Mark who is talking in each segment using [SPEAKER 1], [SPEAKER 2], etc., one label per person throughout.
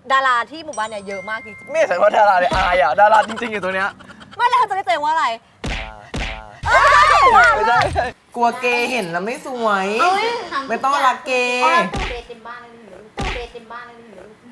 [SPEAKER 1] ดาราที่หมู่บ้านเนี่ยเยอะมากจริง
[SPEAKER 2] ไม่ใช่ว่าดาราเลยอายอ่ะดาราจริงๆอยู่ตัวเนี้ย
[SPEAKER 1] ๆไม่แล้วเธอจะได้เจอว่าอะไร
[SPEAKER 2] ไม่ใช่
[SPEAKER 3] กลัวเกย์เห็นแล้วไม่สวยไม่ต้องรักเกย์
[SPEAKER 4] เต็มบ้านเลยหนูเต็มบ้านเลยหนู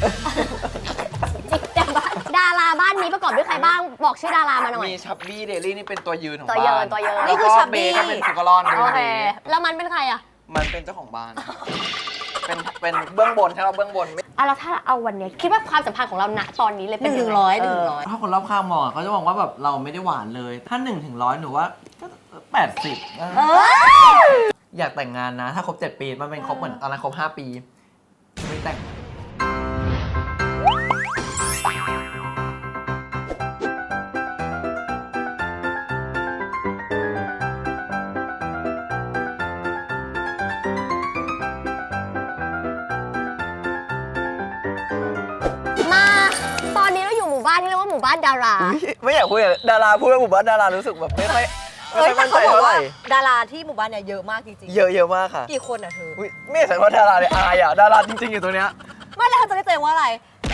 [SPEAKER 5] ดาราบ้านนี้ประกอบด้วยใครบ้างบอกชื่อดารามาหน่อย
[SPEAKER 2] มีชับบี้เดลี่นี่เป็นตัวยืนของ
[SPEAKER 5] ตัวยื
[SPEAKER 2] บ้าน น
[SPEAKER 5] ตัวยืน
[SPEAKER 1] นี่คือชับบี้
[SPEAKER 2] แล้วก็เบย์ก็เป็นสุกรอน
[SPEAKER 5] โอเคแล้วมันเป็นใครอ่ะ
[SPEAKER 2] มันเป็นเจ้าของบ้าน เป็นเบื้องบนใช่ไหมเบื้องบน
[SPEAKER 5] แล้วถ้าเอาวันนี้คิดว่าความสัมพันธ์ของเราณตอนนี้เลยเป็น
[SPEAKER 1] 1 ถึง 100
[SPEAKER 3] ถ้าคนรอบข้างมองเขาจะมองว่าแบบเราไม่ได้หวานเลย ถ้า1 ถึง 100หนูว่าก็80อยากแต่งงานนะ ถ้าครบ7 ปีมันเป็นครบเหมือนตอนนั้นครบ5 ปีไม่แต่ง
[SPEAKER 5] มาตอนนี้เราอยู่หมู่บ้านที่เรียกว่าหมู่บ้านดารา
[SPEAKER 2] ไม่อยากคุยดาราพูดว่าหมู่บ้านดารารู้สึกแบบไม่ค่อย
[SPEAKER 1] แต่
[SPEAKER 2] มั่นใจ
[SPEAKER 1] เขาบอก
[SPEAKER 2] เท่าไห
[SPEAKER 1] ว่า
[SPEAKER 2] ร่
[SPEAKER 1] ดาราที่หมู่บ้านเนี่ยเยอะมากจริงๆ
[SPEAKER 2] เยอะมากค่ะ
[SPEAKER 1] กี่คนอ่ะเธอ
[SPEAKER 2] ไม่ใช่ว่าดาราเลยอายอ่ะดาราจริงๆอยู่ตัวเนี้ย
[SPEAKER 1] ไม่แล้วเธอจะได้เจอว่าอะไร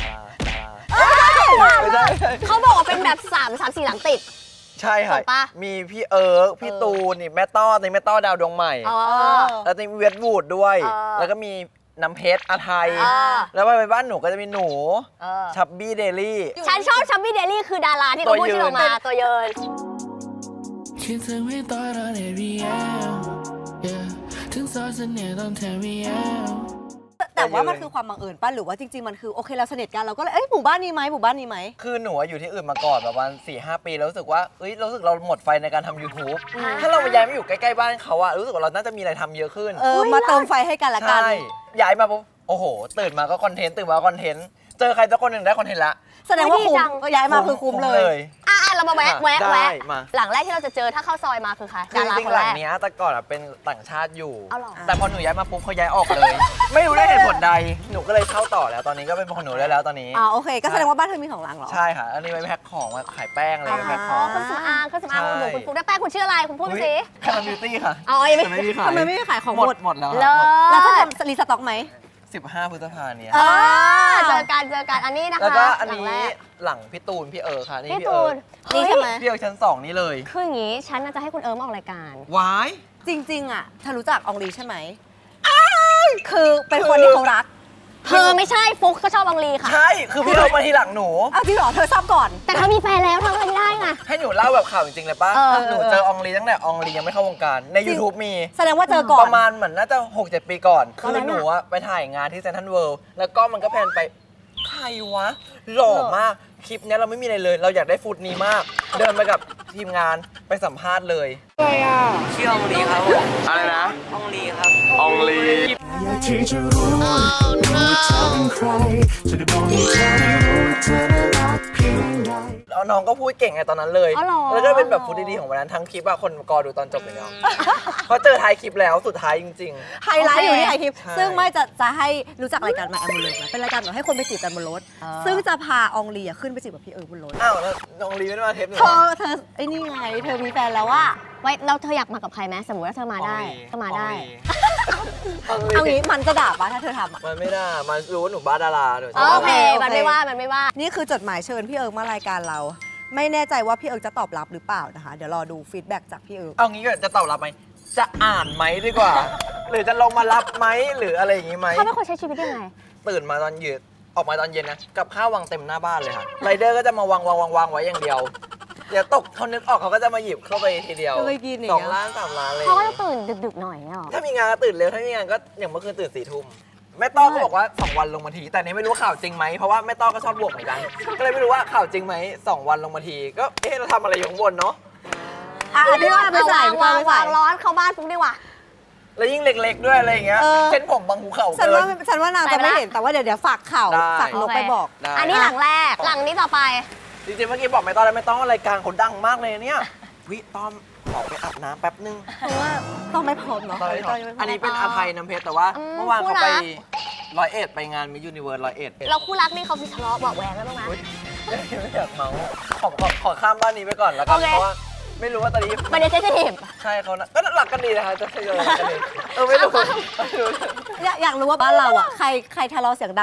[SPEAKER 2] ไม่ใช่
[SPEAKER 5] เขาบอกว่าเป็นแบบ3 4 หลังติด
[SPEAKER 2] ใช่ค่ะ
[SPEAKER 5] ถูกปะ
[SPEAKER 2] มีพี่เอิร์กพี่ตูนนี่แม่ต้อนี่แม่ต้อดาวดวงใหม่
[SPEAKER 5] เออ
[SPEAKER 2] แล้วจะมีเวทวูดด้วย
[SPEAKER 5] เออ
[SPEAKER 2] แล้วก็มีน้ำเพชรอาไทย
[SPEAKER 5] เออ
[SPEAKER 2] แล้วไปบ้านหนูก็จะมีหนู
[SPEAKER 5] เออ
[SPEAKER 2] ชับบี้เดลี่
[SPEAKER 5] ฉันชอบชับบี้เดลี่คือดาราที่เขาพูดชื่อออกมาตัวยืน
[SPEAKER 6] คิดถึงไม่ต่อยตอน ABM ถึงซอยเสน่ห์ตอนแทน VM
[SPEAKER 1] แต่ว่ามันคือความบังเอิญป่ะหรือว่าจริงๆมันคือโอเคเราสนิทกันเราก็เลยหมู่บ้านนี้ไหมหมู่บ้านนี้ไหม
[SPEAKER 2] คือหนูอยู่ที่อื่นมาก่อนประมาณ 4-5 ปีแล้วรู้สึกว่ารู้สึกเราหมดไฟในการทำ YouTube ถ้าเรามาย้ายมาอยู่ใกล้ๆบ้านเขาอะรู้สึกว่าเราน่าจะมีอะไรทำเยอะขึ้น
[SPEAKER 1] มาเติมไฟให้กันละกัน
[SPEAKER 2] ใช่ย้ายมาปุ๊บโอ้โหตื่นมาก็คอนเทนต์ตื่นมาก็คอนเทนต์เจอใครสักคนหนึ่งได้คอนเทนต์ละ
[SPEAKER 1] แสดงว่าคุ้ม
[SPEAKER 5] ดีจัง
[SPEAKER 1] ก็ย้ายมาคือคุ้มเลย
[SPEAKER 5] เรามาแวะ
[SPEAKER 2] ได้มา
[SPEAKER 5] หลังแรกที่เราจะเจอถ้าเข้าซอยมาคือใคร
[SPEAKER 2] คือ
[SPEAKER 5] ดารา
[SPEAKER 2] จริ
[SPEAKER 5] ค
[SPEAKER 2] ง
[SPEAKER 5] น
[SPEAKER 2] ๆหลั
[SPEAKER 5] แรง ก
[SPEAKER 2] เนี้ยแต่ก่อนอะเป็นต่างชาติอยู่
[SPEAKER 5] เอาเหรอ
[SPEAKER 2] แต่พอหนูย้ายมาปุ๊บเขาย้ายออกเลย ไม่รู้ได้เหตุผลใดหนูก็เลยเข้าต่อแล้วตอนนี้ก็เป็นของหนูได้แล้วตอนนี้
[SPEAKER 1] โอเค ก็แสดงว่าบ้านเธอมี2 หลังเหรอ
[SPEAKER 2] ใช่ค่ะ อันนี้ไว้แพ็คของไว้ขายแป้งอะไรไว้แพ็คของ
[SPEAKER 5] เครื่องสำอางเครื่องสำอางของหนูคุณฟุ๊กได้แป้งคุณชื่ออะไรคุณพูดมาสิ
[SPEAKER 2] แค่ทำบิวตี้ค่ะ
[SPEAKER 5] อ๋อยังไม่
[SPEAKER 2] แต่ไม่มีขาย
[SPEAKER 1] ทำไมไม่ขายของ
[SPEAKER 2] ห
[SPEAKER 1] ห
[SPEAKER 2] ม
[SPEAKER 1] ม
[SPEAKER 2] ด
[SPEAKER 1] ด
[SPEAKER 2] หมดแล้ว
[SPEAKER 5] เลิ
[SPEAKER 1] แล้ว
[SPEAKER 5] ศ
[SPEAKER 1] จะทำรีสต็อกไหม
[SPEAKER 2] 15 พฤษภาเนี่ย
[SPEAKER 5] เจอกันอันนี้นะคะ
[SPEAKER 2] แล้วก็อันนี้
[SPEAKER 5] หลังแรก
[SPEAKER 2] หลังพี่ตูนพี่เอิร์กค่ะนี่
[SPEAKER 5] พี่
[SPEAKER 2] พี่
[SPEAKER 5] ตู
[SPEAKER 2] เอิร์
[SPEAKER 5] น
[SPEAKER 2] ก
[SPEAKER 1] นี่ใช่ไหม
[SPEAKER 2] พี่เอิร์กชั้น 2 นี่เลย
[SPEAKER 5] คืออย่างนี้ฉันน่าจะให้คุณเอิร์มออกรายการ
[SPEAKER 2] วาย
[SPEAKER 1] จริงๆอ่ะเธอรู้จักอองลีใช่ไหมคือเป็นคนที่เขารัก
[SPEAKER 5] เธอไม่ใช่ฟุกก็ชอบบังลีค่ะ
[SPEAKER 2] ใช่คือพี่เอิร์กมาทีหลังหนู
[SPEAKER 1] เอาจริงเหรอเธอทราบก่อน
[SPEAKER 5] แต่เธอมีแฟนแล้วเธอไม่ได้ไง
[SPEAKER 2] ให้หนูเล่าแบบข่าวจริงๆเลยป่ะ
[SPEAKER 5] เออ
[SPEAKER 2] หนูเจออองลีตั้งแต่อองลียังไม่เข้าวงการใน YouTube มี
[SPEAKER 1] แสดงว่าเจอก่อ
[SPEAKER 2] ป
[SPEAKER 1] น
[SPEAKER 2] ระมาณเหมือนน่าจะ 6-7 ปีก่อน
[SPEAKER 1] ต
[SPEAKER 2] คื
[SPEAKER 1] อน
[SPEAKER 2] อ
[SPEAKER 1] นั้น
[SPEAKER 2] หนู
[SPEAKER 1] อะ
[SPEAKER 2] อะไปถ่ายงานที่เซนทรัลเวิลด์แล้วก็มันก็แพนไป ใครวะ หล่อมาก คลิปเนี้ยเราไม่มีอะไรเลย เราอยากได้ฟุตนี้มาก เดินไปกับทีมงานไปสัมภาษณ์เลยชื่ออองลีครับอะไรนะอองลีครับอองลี
[SPEAKER 6] อยากที่จะรู้ว่าเธอเป็นใครจะได้บอกให้เธอได้รู้ว่าเธอน่ารักเพียงใด
[SPEAKER 2] แล้วน้องก็พูดเก่งไงตอนนั้นเลย
[SPEAKER 5] อ๋อเหรอ
[SPEAKER 2] แล้วก็เป็นแบบฟุตดีๆของวันนั้นทั้งคลิปอะคนกอดูตอนจบเลยเนาะ เพราะเจอท้ายคลิปแล้วสุดท้ายจริง
[SPEAKER 1] ไฮไลท์อยู่ที่ไอทิป
[SPEAKER 2] ใช่
[SPEAKER 1] ซึ่งไม่จะให้รู้จักรายการมาแอมบูเลนเป็นรายการแบบให้คนไปจีบกันบนรถ ซึ่งจะพาอองลีอะขึ้นไปจีบกับพี่เอิร์กบนรถ
[SPEAKER 2] ๆ อ้าวแล้วน้องลีไม่ได้มาเทปหนู
[SPEAKER 1] เธอไอ้นี่ไงเธอมีแฟนแล้วว่า
[SPEAKER 5] ไว้แล้วเธออยากมากับใครไหมสมมติว่าเธอมาได้ก็มาได้
[SPEAKER 1] เอางี้มันจะด่าปะถ้าเธอทำอะ
[SPEAKER 2] มันไม่ได้มันรู้ว่าหนูบ้าดาราหนูช
[SPEAKER 5] โอ
[SPEAKER 2] อบ
[SPEAKER 5] เค
[SPEAKER 1] โอเค
[SPEAKER 5] มันไม่ว่า
[SPEAKER 1] นี่คือจดหมายเชิญพี่เอิร์กมารายการเรา ไม่แน่ใจว่าพี่เอิร์กจะตอบรับหรือเปล่านะคะ เดี๋ยวรอดูฟีดแบ็กจากพี่เอิร์ก
[SPEAKER 2] เอางี้ก็จะตอบรับไหม จะอ่านไหมดีกว่า หรือจะลงมารับไหมหรืออะไรอย่างงี้ไหม
[SPEAKER 5] เขาเป็นคนใช้ชีวิตยังไง
[SPEAKER 2] ตื่นมาตอนเย็นออกมาตอนเย็นนะ กับข้าววางเต็มหน้าบ้านเลยค่ะ ไรเดอร์ก็จะมาวางไว้อย่างเดียว เดี๋ยวตกเขานึกออกเขาก็จะมาหยิบเข้าไปทีเดียว
[SPEAKER 1] ก็เลยกินอย่างเงี้ย
[SPEAKER 2] 2 ล้าน 3 ล้านเลย
[SPEAKER 5] เขาก็จะตื่นดึกๆหน่อยเนี่ยหรอ
[SPEAKER 2] ถ้ามีงานก็ตื่นเร็ว ถ้าไม่มีงานก็อย่างเมื่อคืนตื่น4 ทุ่มแม่ต้อก็บอกว่า 2 วันลงมาที แต่อันนี้ไม่รู้ว่าข่าวจริงไหมเพราะว่าแม่ต้อก็ชอบบวกเหมือนกัน ก็เลยไม่รู้ว่าข่าวจริงไหม2 วันลงมาที ก็เราทำอะไรอยู่ข้างบนเนาะ
[SPEAKER 1] พี่ว่าไปใส่พี่ว่าไปใส่
[SPEAKER 5] วางร้อนเข้าบ้านฟุ๊กดีกว่า
[SPEAKER 2] แล้วยิ่งเล็กๆด้วยอะไรอย่างเงี้ย
[SPEAKER 1] เออ
[SPEAKER 2] เส้นผมบางภูเขา
[SPEAKER 1] ฉัน
[SPEAKER 2] เกิ
[SPEAKER 1] ว่าน ฉันว่านางจะไม่เห็นแต่ว่าเดี๋ยวฝากข่าว
[SPEAKER 2] ได้
[SPEAKER 1] ฝากนกไปบอก
[SPEAKER 2] ได้
[SPEAKER 5] อันนี้หลังแรก หลังนี้ต่อไป
[SPEAKER 2] จริงๆเมื่อกี้บอกไม่ต้องแล้วไม่ต้องรายการเขาดังมากเลยเนี่ยวิต้อมขอไปอาบน้ำแป๊บนึง
[SPEAKER 1] เพราะว่าต้องไม่พร้อมเนาะ
[SPEAKER 2] อันนี้เป็นอภัยน้ำเพชรแต่ว่า
[SPEAKER 5] อืม
[SPEAKER 2] เมื่อวานเขาไป
[SPEAKER 5] คู่รัก
[SPEAKER 2] 101ไปงานมิสยูนิเวิร์ส101
[SPEAKER 5] เราคู่รักนี่เขามีทะเลาะเบาะแหวงกันบ้างไหม
[SPEAKER 2] อุ๊ยไม่อยากเมาขอข้ามบ้านนี้ไปก่อนแล้วกัน
[SPEAKER 5] โอเค
[SPEAKER 2] เพราะว่าไม่รู้ว่าตอนนี้
[SPEAKER 5] มันจะเซนซิทีฟ
[SPEAKER 2] ใช่เขานะก็หลักกันดีนะคะจะทยอยหลักกันดีไม่รู้ไม่รู้
[SPEAKER 1] อยากรู้ว่าบ้านเราอ่ะใครทะเลาะเสียงดัง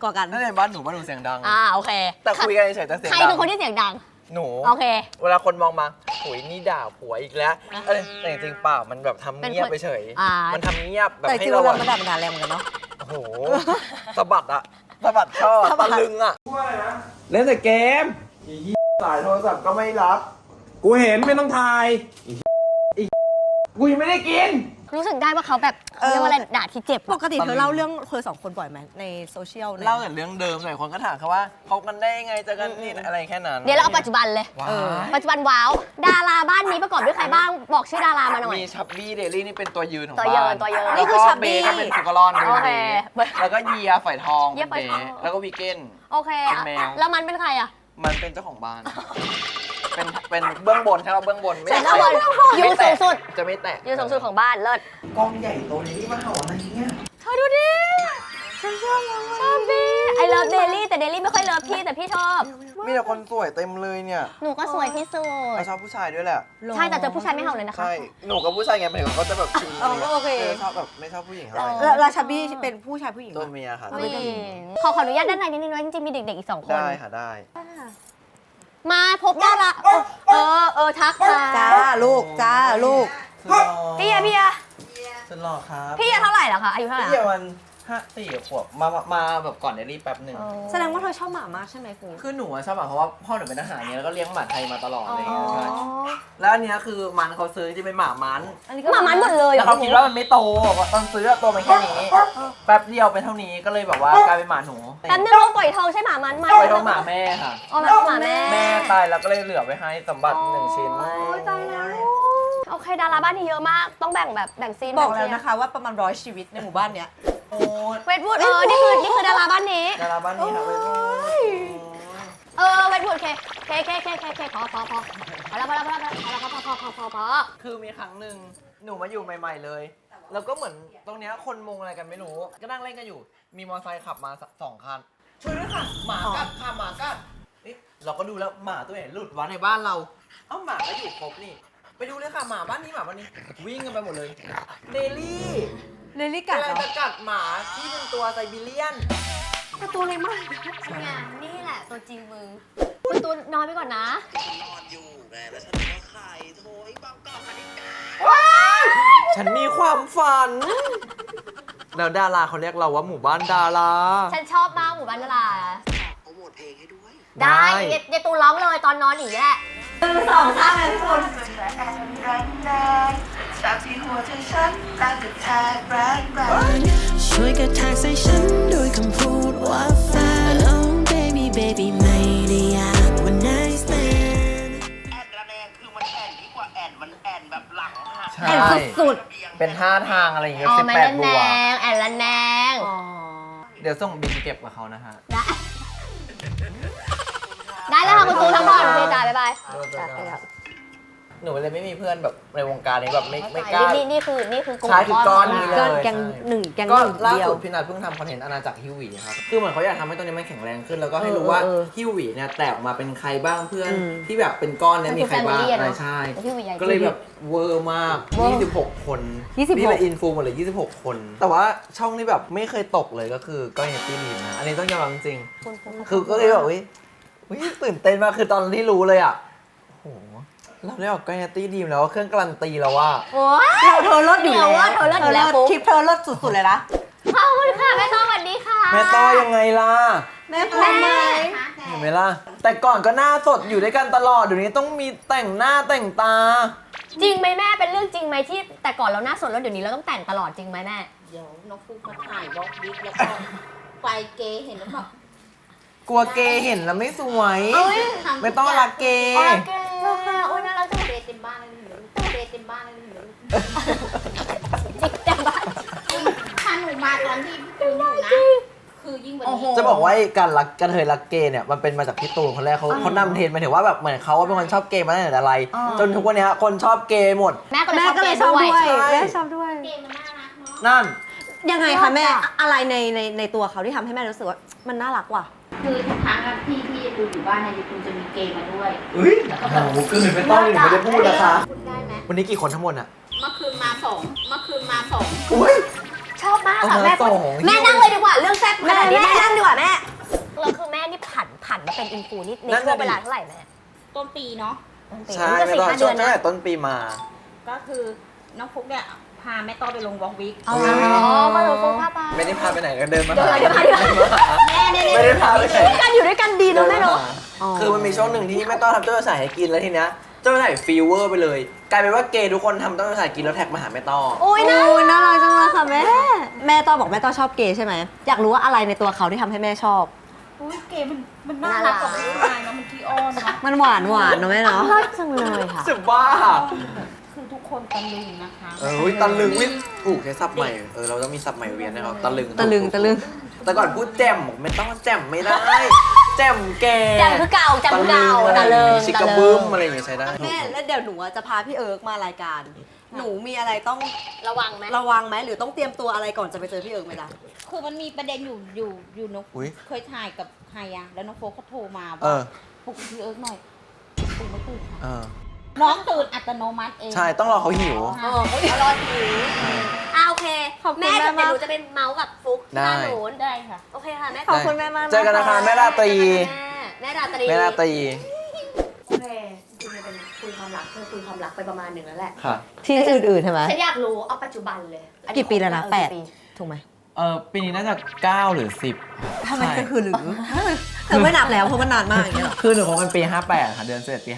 [SPEAKER 1] กว่ากัน
[SPEAKER 2] นั่นในบ้านหนูเสียงดัง
[SPEAKER 5] โอเค
[SPEAKER 2] แต่คุยกันเฉยๆแต่เสียง
[SPEAKER 5] ใคร
[SPEAKER 2] ดั
[SPEAKER 5] เป็นคนที่เสียงดัง
[SPEAKER 2] หนู
[SPEAKER 5] โอเค
[SPEAKER 2] เวลาคนมองมาโหุยนี่ด่าผัวอีกแล้วอะไรแต่จริงๆเปล่ามันแบบทำเงียบไปเฉย มันทำเงียบแบบ
[SPEAKER 1] แต่จ
[SPEAKER 2] ให้
[SPEAKER 1] ริงๆ
[SPEAKER 2] เรา
[SPEAKER 1] เรา
[SPEAKER 2] อะ
[SPEAKER 1] มันด่ามันด่าแรงเหมือนกันเนาะ
[SPEAKER 2] โอ้โหสะบัดอะสะบัดช่อ
[SPEAKER 1] สะบั
[SPEAKER 2] ตะ
[SPEAKER 1] ด
[SPEAKER 2] ลึงอะเล่นแต่เกมสายโทรศัพท์ก็ไม่รับ
[SPEAKER 7] กูเห็นไม่ต้องถ่าย
[SPEAKER 2] กูยังไม่ได้กิน
[SPEAKER 5] รู้สึกได้ว่าเขาแบบเรียกว่าอะไรด่าที่เจ็บ
[SPEAKER 1] ปกติเธอเล่าเรื่องเธอสองคนบ่อยไหมในโซเชียลนี่ย
[SPEAKER 2] เล่าแต่เรื่องเดิมหลายคนก็ถามเขาว่าคบกันได้ยังไงเจอกันนี่อะไรแค่นั้น
[SPEAKER 5] เดี๋ยวเราเอาปัจจุบันเลย
[SPEAKER 2] ว้า
[SPEAKER 5] ปัจจุบันว้าว ดาราบ้านนี้ประกอบด้วยใครบ้าง บอกชื่อดารามาหน่อย
[SPEAKER 2] มีชับบี้เดลี่นี่เป็นตัวยืนของ
[SPEAKER 5] ตัวยืน
[SPEAKER 2] บ้าน
[SPEAKER 5] ตัวยืน
[SPEAKER 1] นี่คือ
[SPEAKER 2] แล้วก็
[SPEAKER 1] ชับบี้
[SPEAKER 2] เบย์ก็เป็นสุกรอนเป็น
[SPEAKER 5] โอเค
[SPEAKER 2] เบย์แล้วก็เยียฝอยทอง
[SPEAKER 5] เยียฝอยทอง
[SPEAKER 2] แล้วก็วีเกน
[SPEAKER 5] โอเค
[SPEAKER 2] เป็นแมว
[SPEAKER 5] แล้วมันเป็นใครอ่ะ
[SPEAKER 2] มันเป็นเจ้าของบ้าน เป็นเบื้องบนใช่ไหมเบื้องบนไม่
[SPEAKER 5] เป็น
[SPEAKER 2] ได้
[SPEAKER 5] เบื้องบนอยู่สูงสุด
[SPEAKER 2] จะไม่แตะ
[SPEAKER 5] อยู่สูงสุดของบ้านเลิศ
[SPEAKER 2] กองใหญ่โตนี้มาเห่าอะไรเนี่ย
[SPEAKER 5] เธอดูดิฉันชอบพี่ไอเลิฟเดลี่แต่เดลี่ไม่ค่อยเลิฟพี่แต่พี่ชอบ
[SPEAKER 2] มีแต่คนสวยเต็มเลยเนี่ย
[SPEAKER 5] หนูก็สวยที่สุด
[SPEAKER 2] เขาชอบผู้ชายด้วยแหละ
[SPEAKER 5] ใช่แต่เจอผู้ชายไม่เห่าเลยนะคะ
[SPEAKER 2] ใช่ หนูกับผู้ชายไงหมายถึงเขาจะแบบชิง
[SPEAKER 1] โอเค
[SPEAKER 2] ชอบแบบไม่ชอบผู้หญิงเท่าไหร่
[SPEAKER 1] แล้วชับบี้เป็นผู้ชายผู้หญิง
[SPEAKER 2] ตัว
[SPEAKER 1] ปะ
[SPEAKER 2] เมียค่ะ
[SPEAKER 5] ผู้หญิงขออนุญาตด้านในนิดนึงนะจริงๆมีเด็กๆอีก2 คน
[SPEAKER 2] ได้ค่ะได้
[SPEAKER 5] มาพบดาราทักค่ะ
[SPEAKER 1] จ้าลูกจ้าลูก
[SPEAKER 5] พี่อะ
[SPEAKER 2] สุดหล่อครับ
[SPEAKER 5] พี่อะเท่าไหร่เหรอคะอายุเท่าไหร่
[SPEAKER 2] พี่วัน4 ขวบมาแบบก่อนเดลี่แป๊บหนึ่ง
[SPEAKER 1] แสดงว่าเธอชอบหมามากใช่ไหมคุณ
[SPEAKER 2] คือหนูอะชอบหมาเพราะว่าพ่อหนูเป็นทหารเนี่ยแล้วก็เลี้ยงหมาไทยมาตลอด
[SPEAKER 5] อ๋
[SPEAKER 2] อะไรอย่างเงี้ย
[SPEAKER 5] อ
[SPEAKER 2] ใช่แล้วอันเนี้ยคือมันเขาซื้อจะเป็นหมามัน
[SPEAKER 1] อันนี้
[SPEAKER 5] หมามันหมดเลยเหร
[SPEAKER 2] แล้
[SPEAKER 5] อ
[SPEAKER 2] วเขาคิดว่ามันไม่โตตอนซื้ออะโตมันแค่นี้แป๊บเดียวเป็นเท่านี้ก็เลยแบบว่ากลายเป็นหมาหนู
[SPEAKER 5] แป๊บนึงลูกปล่อยทองใช่หมามันไหม
[SPEAKER 2] ไปทองหมาแม่ค่ะ
[SPEAKER 5] อ๋อหมาแม่
[SPEAKER 2] แม่ตายแล้วก็เลยเหลือไว้ให้สมบัติ1 ชิ้น
[SPEAKER 5] โอ้ยตายแล้วโอเคดาราบ้านนี้เยอะมากต้องแบ่งซีน
[SPEAKER 1] บอกแล้วนะคะว่าประมาณ100 ชีวิตในหมู่บ้านเนี้ย
[SPEAKER 2] โอ้ย
[SPEAKER 5] เวทวูดนี่คือดาราบ้านนี้
[SPEAKER 2] ดาราบ้านนี้ค่ะไปดู
[SPEAKER 5] เวทวูดเคพอแล้วพอ
[SPEAKER 2] คือมีครั้งหนึ่งหนูมาอยู่ใหม่ๆเลย แล้วก็เหมือนตรงเนี้ยคนมุงอะไรกันไม่รู้ ก็นั่งเล่นกันอยู่ มีมอเตอร์ไซค์ขับมา2 คัน ช่วยด้วยค่ะ หมากัดค่ะหมากัดนี่เราก็ดูแล้วหมาตัวไหนหลุดวะในบ้านเรา เอ้าหมาก็อยู่ครบนี่ ไปดูเลยค่ะหมาบ้านนี้วิ่งกันไปหมดเลย เดลี่
[SPEAKER 1] เลลี่กัด
[SPEAKER 2] กำลัง
[SPEAKER 1] เหรอ
[SPEAKER 2] จะกัดหมาที่เป็นตัวไซบีเรียน
[SPEAKER 1] ตัวเล็กมาก
[SPEAKER 5] นี่แหละตัวจริงมึงคุณตูนนอนไปก่อนนะ
[SPEAKER 2] ฉันมีความฝัน แล้วดาราเขาเรียกเราว่าหมู่บ้านดารา
[SPEAKER 5] ฉันชอบมากหมู่บ้านดารา
[SPEAKER 2] โปรโมทเพลงให้ด้วย
[SPEAKER 5] ได้เดี๋ยวตูนร้องเลยตอนนอนอย่างนี้แหละ
[SPEAKER 6] ช่วยกระแทกใส่ฉันด้วยคำพูดว่าแฟน Oh baby baby ไม่ได้อยากว่า nice man
[SPEAKER 2] แอนระแนงคือมันแอนยิ่งกว่าแอนมันแอนแบบหลังหัก
[SPEAKER 1] แอนสุด
[SPEAKER 2] เป็นท่าทางอะไรอย่างเงี้ย
[SPEAKER 5] อ๋อแม่ละ
[SPEAKER 2] 18 บ
[SPEAKER 5] แน
[SPEAKER 2] วก
[SPEAKER 5] งแอนละแนง
[SPEAKER 2] เดี๋ยวส่งบินเก็บกับเขานะฮะ
[SPEAKER 5] ได้แล้วค่ะคุณตูนทั้งหมดโอเคจ้าบ๊ายบาย
[SPEAKER 2] หนูเลยไม่มีเพื่อนแบบในวงการนี้แบบไม่กล้า
[SPEAKER 5] นี่คือกลุ่ม
[SPEAKER 2] ใช่คือก้อนนี้เลย
[SPEAKER 1] ก็แกงหนึ่งแกง
[SPEAKER 2] ก็
[SPEAKER 1] หนึ่ง
[SPEAKER 2] ล่า
[SPEAKER 1] เดียว
[SPEAKER 2] สุดพี่นัทเพิ่งทำคอนเทนต์อาณาจักรฮิวหวีครับ คือเหมือนเขาอยากทำให้ตัวนี้มันแข็งแรงขึ้น แล้วก็ให้รู้ว่า
[SPEAKER 1] เออ
[SPEAKER 2] ฮิวหวีเนี่ยแตกออกมาเป็นใครบ้างเพื่อน
[SPEAKER 1] อืม
[SPEAKER 2] ที่แบบเป็นก้อนเนี่ยมีใครบ้าง
[SPEAKER 5] มันคือ family อะเนอะ
[SPEAKER 2] ใช่
[SPEAKER 5] ฮิวหวีใหญ่
[SPEAKER 2] ก็เลยแบบเวอร์มาก 26 คน
[SPEAKER 1] 26
[SPEAKER 2] นี่เป็นอินฟูหมดเลย26 คน แต่ว่าช่องนี้แบบไม่เคยตกเลยก็คือก้อยเนตตี้ลีนนะอันนี้ต้องยอมรับจริง คือก็เลยแบบวิตื่นเต้นมากคือตอนที่รู้เลยอ่ะโอ้โหเราได้ออกก้อยเนตตี้ดีมแล้วเครื่องการันตีแล้วว่า
[SPEAKER 5] โอ้ย
[SPEAKER 1] เธอเลิศอยู่แล้ว
[SPEAKER 5] เธอเลิศอยู่แล้วปุ๊บ
[SPEAKER 1] คลิปเธอเลิศสุดๆเลยนะ
[SPEAKER 5] ขอบคุณค่ะแม่ต้องสวัสดีค่ะ
[SPEAKER 2] แม่ต้อยังไงล่ะ
[SPEAKER 1] แม่พร้อมไหม
[SPEAKER 2] เห็นไหมล่ะ แต่ก่อนก็หน้าสดอยู่ด้วยกันตลอดเดี๋ยวนี้ต้องมีแต่งหน้าแต่งตา
[SPEAKER 5] จริงไหมแม่เป็นเรื่องจริงไหมที่แต่ก่อนเราหน้าสดแล้วเดี๋ยวนี้เราต้องแต่งตลอดจริงไหมแม่
[SPEAKER 4] เดี๋ยวน้องฟุกมาถ่ายบล็อกบิ๊กแล้วก็ไฟเกย์เห็นหรือเปล่าก
[SPEAKER 2] ลัวเกย์เห็นแล้วไม่สวย
[SPEAKER 5] เอ้ย
[SPEAKER 2] ไม่ต้องรักเกย์
[SPEAKER 5] โอเคโอ้ยน่ารักจัง
[SPEAKER 4] เบย์เต็มบ้านเลยหนูเบย์เต็มบ้านเลยหนู
[SPEAKER 5] จริงแต่บ้าน
[SPEAKER 4] ถ้าหนูมาตอนที่พี่ตูนอยู่นะ คือยิ่งกว่านี้
[SPEAKER 2] จะบอกว่าไอ้การรักกระเทยรักเกย์เนี่ยมันเป็นมาจากพี่ตูนคนแรกเขานำเทรนด์มาถึงว่าแบบเหมือนเขาเป็นคนชอบเกย์มาตั้งแต่อะไร จนทุกวันนี้คนชอบเกย์หมด
[SPEAKER 5] แม่ก็
[SPEAKER 1] แม่ก็เลยชอบด้วย
[SPEAKER 2] ใช่
[SPEAKER 1] แม่ชอบด้วย
[SPEAKER 4] เกย์มันน่ารักเนาะ
[SPEAKER 2] นั่น
[SPEAKER 1] ยังไงคะแม่อะไรในตัวเขาที่ทำให้แม่รู้สึกว่ามันน่ารักว่ะ
[SPEAKER 4] คือทุกครั้งอะที่ตูนอยู่บ้านเนี่ยตูนจะมีเกย์มาด้วย
[SPEAKER 2] เฮ้ยโอ้โหเกินไม่ต้องไม่ได้พูดนะคะ
[SPEAKER 4] พูดได้ไหม
[SPEAKER 2] วันนี้กี่คนทั้งหมดอ่ะ
[SPEAKER 4] เมื่อคืนมาสอง
[SPEAKER 2] อุ้ย
[SPEAKER 5] ชอบมากค่ะ
[SPEAKER 2] เอา
[SPEAKER 5] แม่
[SPEAKER 2] มาส่ง
[SPEAKER 5] แม่นั่งเลยดีกว่าเรื่องแซ่บขนาดนี้แม่นั่งดีกว่าแม่นมาเป็นอินฟูนี่ใน
[SPEAKER 3] นั่น
[SPEAKER 5] ช่ว
[SPEAKER 3] น่ะ
[SPEAKER 5] ง
[SPEAKER 3] ดิ
[SPEAKER 5] เวลาเท่าไหร่แม่
[SPEAKER 4] ต้นปีเนาะ
[SPEAKER 3] ใช่
[SPEAKER 5] ก็
[SPEAKER 3] ไม่
[SPEAKER 5] สี่
[SPEAKER 3] ต้อง
[SPEAKER 5] ห้า
[SPEAKER 3] ช่
[SPEAKER 5] เดื
[SPEAKER 3] ว
[SPEAKER 5] อง น
[SPEAKER 3] ตั้ง
[SPEAKER 5] นะ
[SPEAKER 3] แต่ต้นปีมา
[SPEAKER 4] ก็คือน้องฟุกเนี่ยพาแม่ต้อไปลงวอล์กวิก
[SPEAKER 5] อ๋อก็เลยฟุ้งผ้าไป
[SPEAKER 3] ไม่ได้พาไปไหนก็เดินมา
[SPEAKER 5] เดิน
[SPEAKER 3] หา
[SPEAKER 5] มาเดินมา
[SPEAKER 4] แม่เนี่ย
[SPEAKER 3] ไม่ได้พาไปไหน
[SPEAKER 5] การอยู่ด้วยกันดีเนอะแม่เนาะ
[SPEAKER 3] คือมันมีช่วงหนึ่งที่แม่ต้อทำเจ้าสายให้กินแล้วทีเนี้ยเจ้าสายฟีเวอร์ไปเลย กลายเป็นว่าเกย์ทุกคนทำเจ้าสายกินแล้วแท็กมาหาแม่ต้อ
[SPEAKER 5] โอ้ยนะ
[SPEAKER 1] โอ้ยน่ารักจังเลยค่ะแม่ แม่ต้อบอกแม่ต้อชอบเกย์ใช่ไหมอยากรู้ว่าอะไรในตัวเขาที่ทำให้แม่ชอบ
[SPEAKER 4] อุ้ยเก๋มันน่ารักกว่าผู้ชายเนาะมันขี้อ้อนเนาะ
[SPEAKER 1] มันหวานเนอะแม่เนาะ
[SPEAKER 5] น่ารักจังเลยค่ะ
[SPEAKER 3] สึกบ้า
[SPEAKER 4] คือทุกคนตะลึงนะคะ
[SPEAKER 3] ตะลึงวิถูกใช้ศัพท์ใหม่เราต้องมีศัพท์ใหม่เวียนนะครับตะลึง
[SPEAKER 1] ตะลึง
[SPEAKER 3] แต่ก่อนพูดแจ่มไม่ต้องแจ่มไม่ได้ แจ่มแก
[SPEAKER 5] จำคือเก่าจำเก่า
[SPEAKER 3] ตะ
[SPEAKER 5] ตะ
[SPEAKER 3] ลึ
[SPEAKER 5] เลิ
[SPEAKER 3] ง
[SPEAKER 5] ง
[SPEAKER 3] ชิกระบึ้มอะไรอย่างเงี้ยใช้ได้
[SPEAKER 1] แม่แล้วเดี๋ยวหนูจะพาพี่เอิร์กมารายการ หนูมีอะไรต้อง
[SPEAKER 5] ระวังไหม
[SPEAKER 1] ระวังไหมหรือต้องเตรียมตัวอะไรก่อนจะไปเจอพี่เอิร์กไหมล่ะ
[SPEAKER 4] คือมันมีประเด็นอยู่น้อง
[SPEAKER 3] อุ๊ย
[SPEAKER 4] เคยถ่ายกับใครอะแล้วน้องโฟกเขาโทรมา
[SPEAKER 3] เอ
[SPEAKER 4] ว่า
[SPEAKER 3] อ
[SPEAKER 4] ปลุกพี่เอิร์กหน่อยปลุกไม่ตื่นค่ะ
[SPEAKER 3] เออ
[SPEAKER 4] น้องตื่นอัตโนมัติเอง
[SPEAKER 3] ใช่ต้องรอเขาหิว
[SPEAKER 4] ค่ะ
[SPEAKER 5] เอารอถือโอเค
[SPEAKER 1] ขอบคุณ
[SPEAKER 5] แม่
[SPEAKER 1] แม่
[SPEAKER 5] เดี๋ยว
[SPEAKER 1] มาก
[SPEAKER 5] หนูจะเป็นเมาส์กับฟุกที่
[SPEAKER 3] ได้
[SPEAKER 5] บ้านหนู
[SPEAKER 4] ได้ค่ะ
[SPEAKER 5] โอเคค่ะแม่
[SPEAKER 1] ขอบคุณแม่มาก
[SPEAKER 3] เจอกันนะคะแม่ราตรี
[SPEAKER 5] แม่ราตรี
[SPEAKER 3] แม่ราตรี
[SPEAKER 5] โอเคจริงๆมันเป็นคุยความรักเธอคุยความรักไปประมาณหนึ่งแล้วแหละ
[SPEAKER 3] ค่ะ
[SPEAKER 1] ที่อื่นๆใช่ไหม
[SPEAKER 5] ฉันอยากรู้เอาปัจจุบันเลยอันนี้
[SPEAKER 1] กี่ปีแล้วนะ
[SPEAKER 5] คบ
[SPEAKER 1] แปด
[SPEAKER 5] กี่ปี
[SPEAKER 1] ถูกไหม
[SPEAKER 3] ปีนี้น่าจะ 9 หรือ 10
[SPEAKER 1] ทำไมก็คือหรือเธอไม่นับแล้วเพราะมันนานมากอย่างเงี้ยเหรอ
[SPEAKER 3] คือหนูคบกันปี 58 ค่ะ เดือน11ปี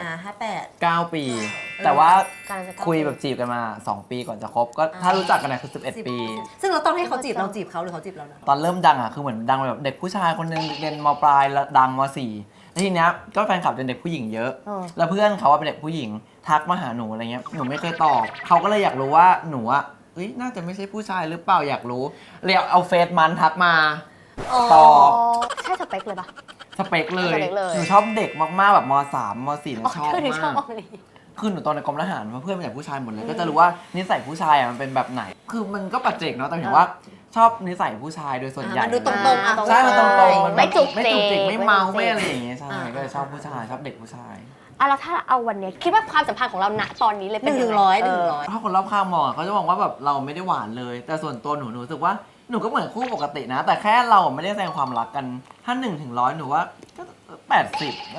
[SPEAKER 3] 58 9 ปี แต่ว่า
[SPEAKER 5] การจะ
[SPEAKER 3] คุยแบบจีบกันมา 2 ปีก่อนจะคบ ก็ถ้ารู้จักกันนะคือ 11 ปี
[SPEAKER 1] ซึ่งเราต้องให้เขาจีบเราจีบเขาหรือเขาจีบเรานะ
[SPEAKER 3] ตอนเริ่มดังอ่ะ คือเหมือนดังแบบเด็กผู้ชายคนนึงเรียนมปลายแล้วดังม .4 แล้วทีเนี้ยก็แฟนคลับเป็นเด็กผู้หญิงเยอะ แล้วเพื่อนเขาว่าเป็นเด็กผู้หญิงทักมาหาหนูอะไรเงี้ย หนูไม่เคยตอบ เขาก็เลยอยากรู้ว่าหนูอะเอ้ยน่าจะไม่ใช่ผู้ชายหรือเปล่าอยากรู้เลยเอาเฟซมันทักมาตอบ
[SPEAKER 5] ใช่สเปคเลยปะ
[SPEAKER 3] สเปคเลย
[SPEAKER 5] สเปคเลย
[SPEAKER 3] หนูชอบเด็กมากๆแบบม .3 ม .4 เนี่ยชอบ
[SPEAKER 5] คือหนูชอ
[SPEAKER 3] มา
[SPEAKER 5] บ
[SPEAKER 3] ก
[SPEAKER 5] อันนี้
[SPEAKER 3] คือหนูตอนในกรมทหารเพื่อนเป็นแต่ผู้ชายหมดเลย ก็จะรู้ว่านิสัยผู้ชายอ่ะมันเป็นแบบไหน คือมันก็ปัจเจกเนาะ แต่หมายถึงว่าชอบนิสัยผู้ชายโดยส่วนใหญ่
[SPEAKER 1] มันดูตรงๆอ่ะ
[SPEAKER 3] ใช่ มันตรงๆมัน
[SPEAKER 5] ไม่จุก
[SPEAKER 3] ไม่จุกจิก
[SPEAKER 5] จิก
[SPEAKER 3] ไม่เมา
[SPEAKER 5] ไม่จุกจิก
[SPEAKER 3] ไม่อะไรอย่างเงี้ย ใช่ ก็เลยชอบผู้ชาย ชอบเด็กผู้ชาย
[SPEAKER 5] แล้วถ้าเอาวันเนี้ยคิดว่าความสัมพันธ์ของเราณตอนนี้เลย
[SPEAKER 1] ห
[SPEAKER 5] เป็น
[SPEAKER 1] นึ่ง
[SPEAKER 5] ยั
[SPEAKER 1] ถึ
[SPEAKER 5] ไ
[SPEAKER 1] งร้อย
[SPEAKER 3] ถ้าคนรอบข้างมองอ่ะเขาจะมองว่าแบบเราไม่ได้หวานเลย แต่ส่วนตัวหนูรู้สึกว่าหนูก็เหมือนคู่ปกตินะ แต่แค่เราไม่ได้แสดงความรักกัน ถ้า1 ถึง 100หนูว่าก็80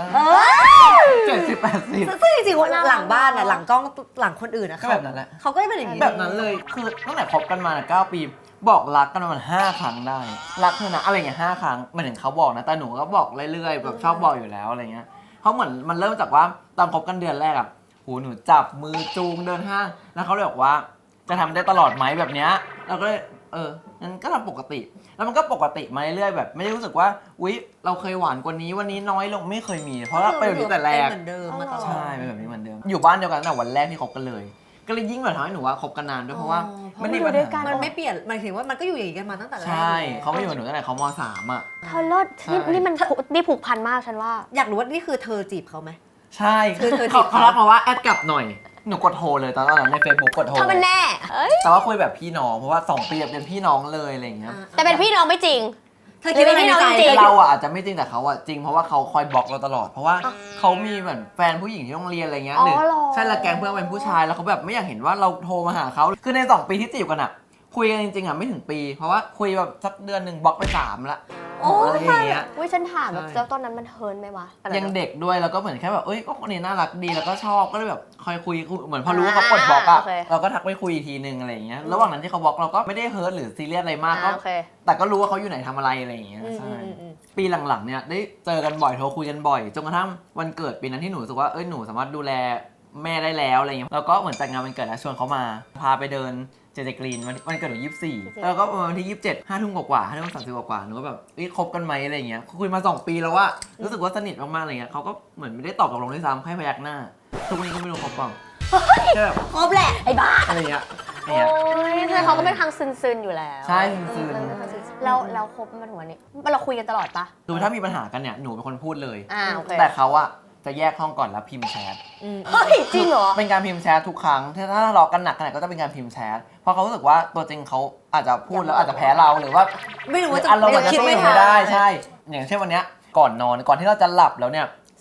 [SPEAKER 3] 70 80
[SPEAKER 1] ซึ่งจริงๆหลังบ้านอ่ะหลังกล้องหลังคนอื่นอ่ะ
[SPEAKER 3] ก็แบบนั้นแหละ
[SPEAKER 1] เขาก็เป็นอย่างนี้
[SPEAKER 3] แบบนั้นเลย คือตั้งแต่คบกันมา9 ปี บอกรักกันประมาณ5 ครั้งได้ รักเธอนะอะไรอย่างเงี้ย5 ครั้งหมายถึงเขาบอกนะ แต่หนูก็บอกเรื่อยๆ แบบชอบบอกอยู่แล้วอะไรเงี้ย เพราะเหมือนมันเริ่มจากว่าตอนคบกันเดือนแรกอ่ะหูหนูจับมือจูงเดินห้าง แล้วเขาเลยบอกว่าจะทำได้ตลอดไหมแบบเนี้ยเราก็เลยงั้นก็ทำปกติ แล้วมันก็ปกติมาเรื่อยๆแบบไม่ได้รู้สึกว่าอุ๊ยเราเคยหวานกว่านี้วันนี้น้อยลงไม่เคยมี เพราะว่าเป็นแบบนี้แต่แรก
[SPEAKER 1] เป็นเหมือนเดิมมาตลอด
[SPEAKER 3] ใช่เป็นแบบนี้เหมือนเดิม อยู่บ้านเดียวกันตั้งแต่วันแรกที่คบกันเลย ก็เลยยิ่งแบบทำให้หนูว่าคบกันนานด้วยเพราะว่าไม่ได้
[SPEAKER 5] อยู่ด้วยกัน
[SPEAKER 1] มันไม่เปลี่ยนหมายถึงว่ามันก็อยู่อย่างนี้กันมาตั้งแต่แรก
[SPEAKER 3] ใช่เขาไม่อยู่กับหนูตั้งแต่เขาม .3 อ่ะ
[SPEAKER 5] เธอเลิศนี่มันนี่ผูกพันมากฉันว่า
[SPEAKER 1] อยากรู้ว่านี่คือเธอจีบเขาไหม
[SPEAKER 3] ใช่
[SPEAKER 1] คือเธอจีบ
[SPEAKER 3] เขาทักมาว่าแอดกลับหน่อยหนูกดโทรเลยตอนนั้นใน Facebook กดโทร
[SPEAKER 5] เธอเป็นแน่เอ้ย
[SPEAKER 3] แต่ว่าคุยแบบพี่น้องเพราะว่า2 ปีเป็นพี่น้องเลยอะไรอย่างเงี้ย
[SPEAKER 5] แต่เป็นพี่น้องไม่จริง
[SPEAKER 1] เธอคิดว่าอะไรในใจ
[SPEAKER 5] จริง
[SPEAKER 3] เราอ่ะอาจจะไม่จริงแต่เขาอ่ะจริงเพราะว่าเขาคอยบล็อกเราตลอดเพราะว่าเขามีเหมือนแฟนผู้หญิงที่โรงเรียนอะไรเงี้ย
[SPEAKER 5] อ๋อ
[SPEAKER 3] หรือ
[SPEAKER 5] เหรอ
[SPEAKER 3] ใช่ละแกงเพื่อนเป็นผู้ชายแล้วเขาแบบไม่อยากเห็นว่าเราโทรมาหาเขาคือใน2 ปีที่จีบกันอ่ะคุยกันจริงๆอ่ะไม่ถึงปี เพราะว่าคุยแบบสักเดือนหนึ่งบล็อกไป3ละ
[SPEAKER 1] โอ้
[SPEAKER 3] อะไรอย่างเงี้ย
[SPEAKER 5] อุ้ยฉันถามแบบ
[SPEAKER 3] ใช่
[SPEAKER 5] แล้วตอนนั้นมันเฮิร์นไหมวะตอนนั้น
[SPEAKER 3] ยังเด็กด้วยแล้วก็เหมือนแค่แบบเอ้ยก็คนนี้น่ารักดีแล้วก็ชอบก็เลยแบบคอยคุยเหมือนพอรู้ว่าเขาปลดบล็อกอ่ะ
[SPEAKER 5] โอเค
[SPEAKER 3] เราก็ทักไปคุยอีกทีนึงอะไรอย่างเงี้ยระหว่างนั้นที่เขาบล็อกเราก็ไม่ได้เฮิร์ตหรือซีเรียสอะไรมากก็
[SPEAKER 5] โอเค
[SPEAKER 3] แต่ก็รู้ว่าเขาอยู่ไหนทำอะไรอะไรอย่างเงี้ยใช่ปีหลังๆเนี่ยได้เจอกันบ่อยโทรคุยกันบ่อยจนกระทั่งวันเกิดปีนั้นที่หนูรู้สึกว่าหนูสามารถดูแลแม่ได้แล้วอะไรเงี้ยแล้วก็เหมือนจัดงานวันเกิดแล้วชวนเขามาพาไปเดินเจเจกรีนวันเกิดหนู24แล้วก็วันที่27 5 ทุ่มกว่า5 ทุ่ม30กว่าหนูก็แบบคบกันไหมอะไรเงี้ยคุยมา2 ปีแล้วว่ารู้สึกว่าสนิทมากๆอะไรเงี้ยเขาก็เหมือนไม่ได้ตอบตกลงด้วยซ้ำให้พยักหน้าทุกวันนี้ก็ไม่รู้คบเปล่าแค่แบบ
[SPEAKER 1] ครบแหละ
[SPEAKER 5] ไอ้บ้า
[SPEAKER 3] อะไรเงี้ย
[SPEAKER 5] โอ้ยแต่เขาก็เป็นทางซึนๆอยู่แล้ว
[SPEAKER 3] ใช่ซึน
[SPEAKER 5] เราคบมาถึงวันนี้เราคุยกันตลอดปะ
[SPEAKER 3] คือถ้ามีปัญหากันเนี่ยหนูเป็นคนพูดเลย
[SPEAKER 5] โอเค
[SPEAKER 3] แต่เขาอะจะแยกห้องก่อนแล้วพิมพ์แชท
[SPEAKER 5] เฮ้ยจริงเหรอ
[SPEAKER 3] เป็นการพิมพ์แชททุกครั้งถ้าทะเลาะกันหนักขนาดก็จะเป็นการพิมพ์แชทเพราะเขารู้สึกว่าตัวจริงเขาอาจจะพูดแล้วอาจจะแพ้เราหรือว่า
[SPEAKER 1] ไม่รู้ว่าจะ
[SPEAKER 3] อารมณ์อาจจะ
[SPEAKER 1] คิด
[SPEAKER 3] สู้
[SPEAKER 1] ไม่
[SPEAKER 3] อยู่
[SPEAKER 1] ทั
[SPEAKER 3] ไม่
[SPEAKER 1] น
[SPEAKER 3] ได้ใช่ อย่างเช่นวันเนี้ยก่อนนอนก่อนที่เราจะหลับแล้วเนี่ย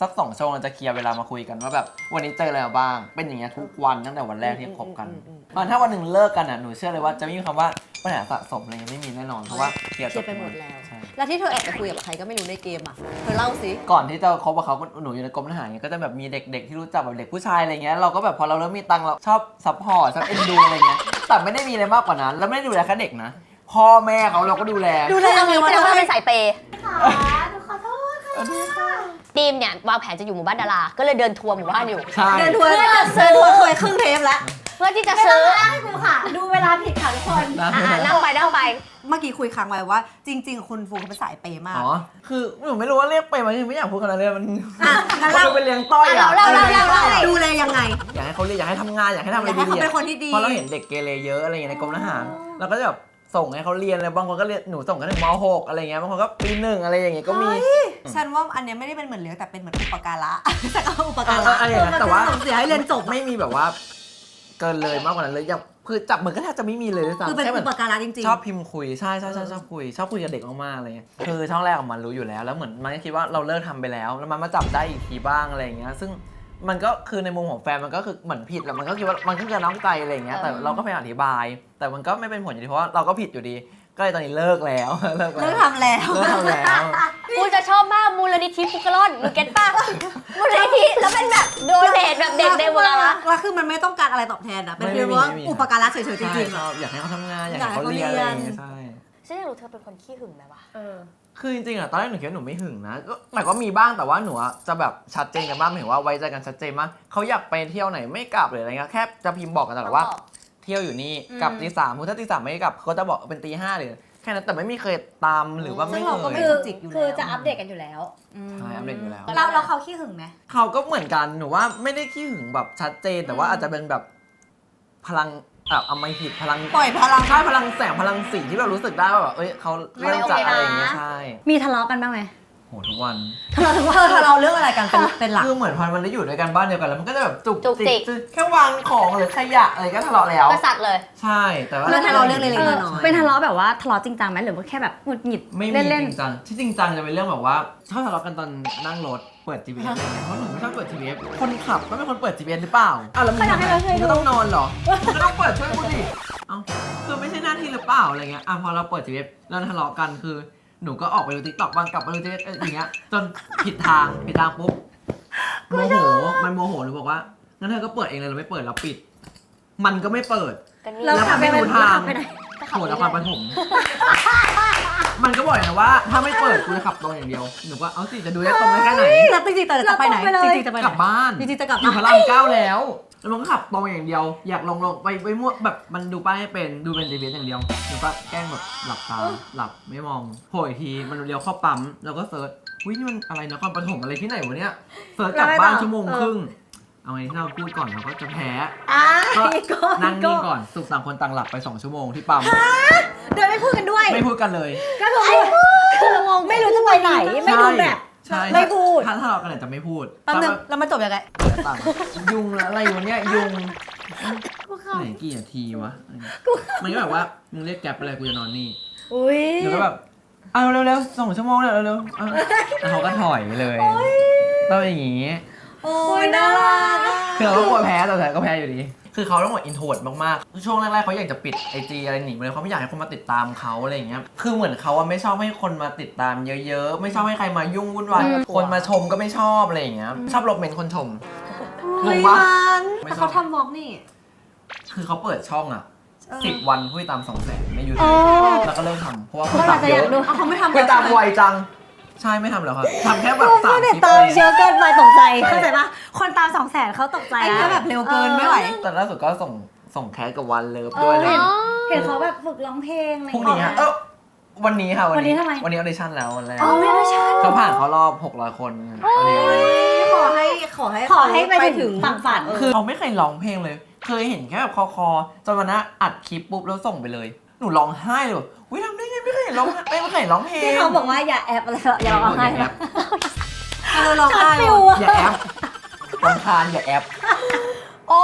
[SPEAKER 3] สัก2 ชั่วโมงเราจะเคลียร์เวลามาคุยกันว่าแบบวันนี้เจออะไรมาบ้างเป็นอย่างเงี้ยทุกวันตั้งแต่วันแรกที่คบกันถ้าวันหนึ่งเลิกกันอ่ะหนูเชื่อเลยว่าจะไม่มีคำว่าปัญหาสะสมอะไรไม่มีแน่นอนเพราะว่าเคลียร์
[SPEAKER 1] เคลียร์ไปหมดแล้ว
[SPEAKER 3] ใช่
[SPEAKER 1] แล้วที่เธอแอบไปคุยกับใครก็ไม่รู้ในเกมอ่ะเธอเล่าสิ
[SPEAKER 3] ก่อนที่จะคบกับเขาหนูอยู่ในกรมทหารเงี้ยก็จะแบบมีเด็กๆที่รู้จักแบบเด็กผู้ชายอะไรเงี้ยเราก็แบบพอเราเริ่มมีตังค์เราชอบซัพพอร์ตชอบเอ็นดูอะไรเงี้ยแต่ไม่ได้มีอะไรมากกว่านั้นแล้วไม่ได้ดูแลแค่เด็กนะพ่อแม่เขาเราก็ดูแล
[SPEAKER 5] เอางี้แสดงว่าเราเป็นสายเปย์
[SPEAKER 4] ขอโทษค่ะ
[SPEAKER 5] ทีมเนี่ยวางแผนจะอยู่หมู่บ้านดารา ก็เลยเดินทัวร์หมู่บ้านอยู่
[SPEAKER 3] ใช่
[SPEAKER 1] เดินทัวร์เดินทัวร์เคยครึ่งเทปแล้ว
[SPEAKER 5] เพื่อที่จะซื้อ
[SPEAKER 4] ให้กูค่ะ ดูเวลาผิดค่ะทุกคน
[SPEAKER 5] นั่งไป
[SPEAKER 1] เมื่อกี้คุยค้างไว้ว่าจริงๆคุณฟูเขาเป็นสายเปย์มาก
[SPEAKER 3] อ๋อคือหนูไม่รู้ว่าเรียกไปมันไม่อยากพูดขนาดนั้นมัน
[SPEAKER 1] งั้น
[SPEAKER 3] มันดูเป็นเลี้ยงต้อยอ่ะ
[SPEAKER 5] เรา
[SPEAKER 1] ดูแลยังไง
[SPEAKER 3] อยากให้เขาเรียนอยากให้ทำงานอยากให้ทำอะไร
[SPEAKER 1] อยากให้
[SPEAKER 3] ดี
[SPEAKER 1] เขาเป็นคนที่ดี
[SPEAKER 3] เพราะเราเห็นเด็กเกเรเยอะอะไรอย่างเงี้ยในกรมทหารเราก็จะแบบส่งให้เขาเรียนอะไรบางคนก็เรียนหนูส่งกันถึงม.6 อะไรเงี้ยบางคนก็ปี 1อะไรอย่างเงี้ยก็มี
[SPEAKER 1] ฉันว่าอันเนี้ยไม่ได้เป็นเหมือนเลี้ยงแต่เป็นเหมือนอุปการะแต่ก็อุปการะ
[SPEAKER 3] อะไรอย่างเงี้ยแต่ว่า
[SPEAKER 1] ส่งเสียให้เรียนจบ
[SPEAKER 3] ไม่มีแบบว่าเกินเลยมากกว่านั้นเลยอย่างคือจับมือก็แทบจะไม่มีเลยด้วยซ้ำ
[SPEAKER 1] คือเป็น
[SPEAKER 3] แค่หมื
[SPEAKER 1] อุปการะจริงๆ
[SPEAKER 3] ชอบพิมพ์คุยใช่ชอบคุยกับเด็กมากๆอะไรเงี้ยคือช่องแรกของมันรู้อยู่แล้วแล้วเหมือนมันก็คิดว่าเราเลิกทำไปแล้วมันมาจับได้อีกทีบ้างอะไรอย่างเงี้ยซึ่งมันก็คือในมุมของแฟนมันก็คือเหมือนผิดแหละมันก็คิดว่ามันก็คือน้องใจอะไรอย่างเงี้ยแต่เราก็พยายามอธิบาย แต่มันก็ไม่เป็นผลอยู่ดีเพราะว่าเราก็ผิดอยู่ดีก็เลยตอนนี้เลิกแล้ว
[SPEAKER 1] เลิกทำแล้ว
[SPEAKER 3] เลิกทำแล้ว
[SPEAKER 5] กูจะชอบมากมูลนิธิฟุกกะล่อนหนูเก็ตป่ะ มูลนิธิแล้วเป็นแบบโดเนทแบบเด็กในเวลา
[SPEAKER 1] แล้วคือมันไม่ต้องการอะไรตอบแทนอ่ะเป็นเพียงว่าอุปการะเฉยๆจริงๆ
[SPEAKER 3] ใช่
[SPEAKER 1] อะ
[SPEAKER 3] อยากให้เขาทำงานอยากให้เขาเรียนอะไรอย่างเงี้ยใช่
[SPEAKER 5] ฉันอยากรู้เธอเป็นคนขี้หึงไหมวะ
[SPEAKER 3] คือจริงๆอะตอนแรกหนูคิดว่าหนูไม่หึงนะแต่ก็มีบ้างแต่ว่าหนูอะจะแบบชัดเจนกันบ้างหมายถึงว่าไว้ใจกันชัดเจนมากเขาอยากไปเที่ยวไหนไม่กลับหรืออะไรเงี้ยแค่จะพิมพ์บอกกันตลอดว่า เที่ยวอยู่นี่กลับตี 3ถ้าตี 3ไม่กลับเขาจะบอกเป็นตี 5หรือแค่นั้นแต่ไม่มีเคยตามหรือว่าไม่
[SPEAKER 1] ซึ่ง
[SPEAKER 3] เค
[SPEAKER 1] เราก็ไม่
[SPEAKER 3] ย
[SPEAKER 1] จุกจิกอยู่แล้ว
[SPEAKER 8] คือจะอัปเดตกันอยู่แล้ว
[SPEAKER 3] ใช่อัปเดตอยู่แล้ว
[SPEAKER 8] เราเขาขี้หึงไหม
[SPEAKER 3] เขาก็เหมือนกันหนูว่าไม่ได้ขี้หึงแบบชัดเจนแต่ว่าอาจจะเป็นแบบพลังอำมหิตพลัง
[SPEAKER 1] ปล่อยพลัง
[SPEAKER 3] ใช่พลังแสงพลังสีที่แบบรู้สึกได้ว่าแบบเอ้ยเขาเริ่มจากอะไรอย่างเงี้ยใช่
[SPEAKER 8] มีทะเลาะกันบ้างไหม
[SPEAKER 3] โหทุกวัน
[SPEAKER 1] เธอเรื่องอะไรกันเป็นหลัก
[SPEAKER 3] คือเหมือนพอมันได้อยู่ด้วยกันบ้านเดียวกันแล้วมันก็จะแบบจุก
[SPEAKER 5] จุกจิก
[SPEAKER 3] แค่วางของหรือขยะอะไรก็ทะเลาะแล้ว
[SPEAKER 5] กษัตริย์เลย
[SPEAKER 3] ใช่แต่ว่า
[SPEAKER 1] เรื่องทะเลาะเรื่องเล็กๆน้อยๆ
[SPEAKER 8] เป็นทะเลาะแบบว่าทะเลาะจริงจังไหมหรือว่าแค่แบบหงุดหงิด
[SPEAKER 3] ไม่มี
[SPEAKER 8] เล่น
[SPEAKER 3] จริงจังที่จริงจังจะเป็นเรื่องแบบว่าชอบทะเลาะกันตอนนั่งรถเปิด GPS อะไรเงี้ยเพราะหนูไม่ชอบเปิด GPS คนขับก็เป็นคนเปิด GPS หรือเปล่าอ้าวแล้วมึงทำไมมึงก็ต้องนอนเหรอมึงก็ต้องเปิดช่วยกูดิเอ้าคือไม่ใช่หน้าที่หรือเปล่าอะไรเงี้ยพอเราเปิด GPS แล้วทะเลาะกันคือหนูก็ออกไปดู TikTok บ้างกลับไปดู TikTok อย่างเงี้ยจนผิดทางปุ๊บโมโหมันโมโหหนูบอกว่างั้นเธอก็เปิดเองเลยเราไม่เปิดเราปิด มันก็ไม่เปิด
[SPEAKER 5] กันนี่
[SPEAKER 3] แล้วมันไม่รู้ทาง
[SPEAKER 8] ไปไหน
[SPEAKER 3] โหนครปฐมมันก็บอกนะว่าถ้าไม่เปิดกูจะขับตรงอย่างเดียวหนูก็เอาสิจะดูได้ตรงได้แค่ไหน
[SPEAKER 1] แล้วจริงๆแต่จะไปไหนจริงๆจะไปไห
[SPEAKER 3] ก
[SPEAKER 1] น
[SPEAKER 3] ลับบ้าน
[SPEAKER 1] จริงๆจะกลับ
[SPEAKER 3] อยู่พระราม9แล้วมันก็ขับตรงอย่างเดียว อยากลงไปมั่วแบบมันดูป้ายให้เป็นดูเป็น GPS อย่างเดียวหนูก็แกล้งแบบหลับตาหลับไม่มองโผล่อีกทีมันเลี้ยวเข้าปั๊มแล้วก็เซิร์ชอุ้ยนี่มันอะไรนครปฐมอะไรที่ไหนวะเนี่ยเซิร์ชกลับบ้านชั่วโมงครึ่งเอาไงที่เราพูดก่อนเราก็จะแพ้ก็นั่งนิ่งก่อนสุกต่างคนต่างหลับไป2 ชั่วโมงที่ปั๊ม
[SPEAKER 8] เดินไม่พูดกันด้วย
[SPEAKER 3] ไม่พูดกันเลย
[SPEAKER 8] ก็คือไม่รู้จะไปไหน ไม่ดูแบบ
[SPEAKER 3] ใช่
[SPEAKER 8] ไม่พูด
[SPEAKER 3] ถ้าเรากันเนี่ยจะไม่พูด
[SPEAKER 1] แป๊บนึงแล้วมันจบยังไง
[SPEAKER 3] ต่างยุงแล้วอะไรวะเนี่ยยุงไหนกี่นาทีวะมันก็แบบว่ามึงเรียกแก๊ปอะไรกูจะนอนนี่
[SPEAKER 8] อุ้ย
[SPEAKER 3] หนูก็แบบเอาเร็วๆ2 ชั่วโมงเร็วๆแล้วเขาก็ถอยไปเลยต้องอย่างงี้
[SPEAKER 1] โอ้ยน่ารัก
[SPEAKER 3] คือเราก็กลัวแพ้แต่ก็แพ้อยู่ดี คือเขาต้องหมดอินโทรดมากๆช่วงแรกๆเขาอยากจะปิด IG อะไรหนีไปเลยเขาไม่อยากให้คนมาติดตามเขาอะไรอย่างเงี้ยคือเหมือนเขาไม่ชอบให้คนมาติดตามเยอะๆไม่ชอบให้ใครมายุ่งวุ่นวายคนมาชมก็ไม่ชอบอะไรอย่างเงี้ยชอบลบเมนต์คนชมงงปะ
[SPEAKER 1] แต่เขาทำวอล์กนี่
[SPEAKER 3] คือเขาเปิดช่องอ่ะ10 วันผู้ติดตาม200,000ใน YouTube แล้วก็เริ่มทำเพราะว่าผู้ติดตามเยอะ
[SPEAKER 1] เขาไม่ทำ
[SPEAKER 3] ผู้ติดตามไวจังใช่ไม่ทำแล้วครับทำแค่แบบ3 คลิป
[SPEAKER 8] ตามเยอะเกินไปตกใจ เข้าใจปะคนตาม200,000เขาตกใจ
[SPEAKER 1] ไอ้
[SPEAKER 8] แล้
[SPEAKER 1] เนี่
[SPEAKER 8] วย
[SPEAKER 1] แบบเร็วเกินไม่ไหว
[SPEAKER 3] แต่ล่าสุดก็ส่งแคสกับวันเลิฟด้วยเลย
[SPEAKER 8] เห็นเขาแบบฝึกร้องเพลงอะไร
[SPEAKER 3] พรุ่งนี้ฮะวันนี้ค่ะ
[SPEAKER 8] วันนี้ทำไม
[SPEAKER 3] วันนี้ออดิชั่นแล้ววันแรก
[SPEAKER 8] อ๋อไม่ได้ใช่
[SPEAKER 3] เขาผ่านเขารอบ600 คนวันนี้
[SPEAKER 1] ขอให้
[SPEAKER 8] ไปถึงฝั่งฝัน
[SPEAKER 3] คือเราไม่เคยร้องเพลงเลย เคยเห็นแค่แบบคอจนวันนั้นอัดคลิปปุ๊บแล้วส่งไปเลยหนูร้องไห้เลยอุ้ยทำได้ไงไม่เคยเห็นร้องไม่เคยเห็นร้องเพลง
[SPEAKER 8] ที่เขาบอกว่าอย่าแอบอะไรอย่าร้องไห้
[SPEAKER 3] อย่าแอป
[SPEAKER 1] เราไห้
[SPEAKER 3] อย่าแอปรำคาญอย่าแอป
[SPEAKER 1] โอ้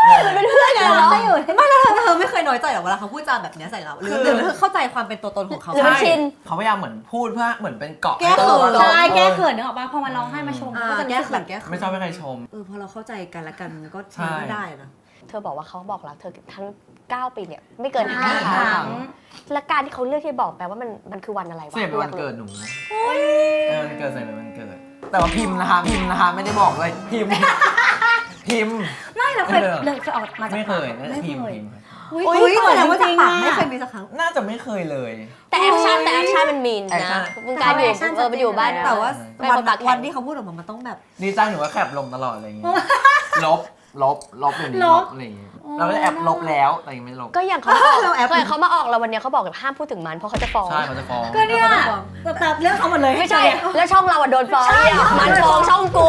[SPEAKER 5] เป็นเพื่อนกันเหรอ
[SPEAKER 1] ไม่แล้วเธอไม่เคยน้อยใจหรอเวลาเขาพูดจาแบบเนี้ยใส่เราหรือเธอเข้าใจความเป็นตัวตนของเขา
[SPEAKER 5] หรือมันชิน
[SPEAKER 3] เขาพยายามเหมือนพูดเพื่อเหมือนเป็นเกาะ
[SPEAKER 1] แก้เขิน
[SPEAKER 8] ใช่แก้เขินนึกออกปะพอมาร้องไห้มาชมก็จะ
[SPEAKER 1] แก้
[SPEAKER 8] รู้สึก
[SPEAKER 1] เขิ
[SPEAKER 8] แบ
[SPEAKER 1] น
[SPEAKER 8] บ
[SPEAKER 1] แก้เขิน
[SPEAKER 3] ไม่ชอบให้ใครชม
[SPEAKER 1] พอเราเข้าใจกันและกันมันก็
[SPEAKER 3] ใช่
[SPEAKER 1] ได้นะ
[SPEAKER 5] เธอบอกว่าเขาบอกรักเธอทั้ง 9 ปีเนี่ยไม่เกิน
[SPEAKER 8] ห้า
[SPEAKER 5] 5
[SPEAKER 8] ค
[SPEAKER 5] ครั้
[SPEAKER 8] รั้
[SPEAKER 5] ง
[SPEAKER 8] ง
[SPEAKER 5] และการที่เขาเลือกที่จะบอกแปลว่ามันคือวันอะไรวะ
[SPEAKER 3] เสียเป็นวันเกิดหนูวันเกิดใส่เป็นวันเกิด แต่ว่าพิมพ์นะคะไม่ได้บอกเลยพิมพ์
[SPEAKER 8] ไม่เราเคยออกมาจาก
[SPEAKER 3] ไม่เคย
[SPEAKER 8] ปาก
[SPEAKER 3] นะพิมพ์
[SPEAKER 1] อุ้ยแสดงว่าจากปากไม่เคยมีสักครั้ง
[SPEAKER 3] น่าจะไม่เคยเลย
[SPEAKER 5] แต่แอคชั่นมันมีน
[SPEAKER 3] แอคชั่
[SPEAKER 5] นะ
[SPEAKER 3] น
[SPEAKER 5] มึงการอยู่มันอยู่บ้าน
[SPEAKER 1] แต่ว่า
[SPEAKER 5] ไม่
[SPEAKER 1] วัน
[SPEAKER 5] คนปากแข็ง
[SPEAKER 1] วันที่เขาพูดออกมามันต้องแบบ
[SPEAKER 3] ดีใจหนูว่าแคปลงตลอดอะไรอย่างเงี้ยลบอย่างนี้ลบอะไรอย่างเงี้ยเราก็จะแอบลบแล้วแต่ยังไม่ลบ
[SPEAKER 5] ก็อย่างเขามาออกเขามาออกแล้ววันนี้เขาบอกแบบห้ามพูดถึงมันเพราะเขาจะฟ้อง
[SPEAKER 3] ใช่เขาจะฟ้อง
[SPEAKER 8] ก็เนี่ยแต่เรื่องเขาหมดเลย
[SPEAKER 5] ไม่ใช่
[SPEAKER 8] เนี่ย
[SPEAKER 5] แล้วช่องเราอะโดนฟ้องเนี่ยมันฟ้องช่องกู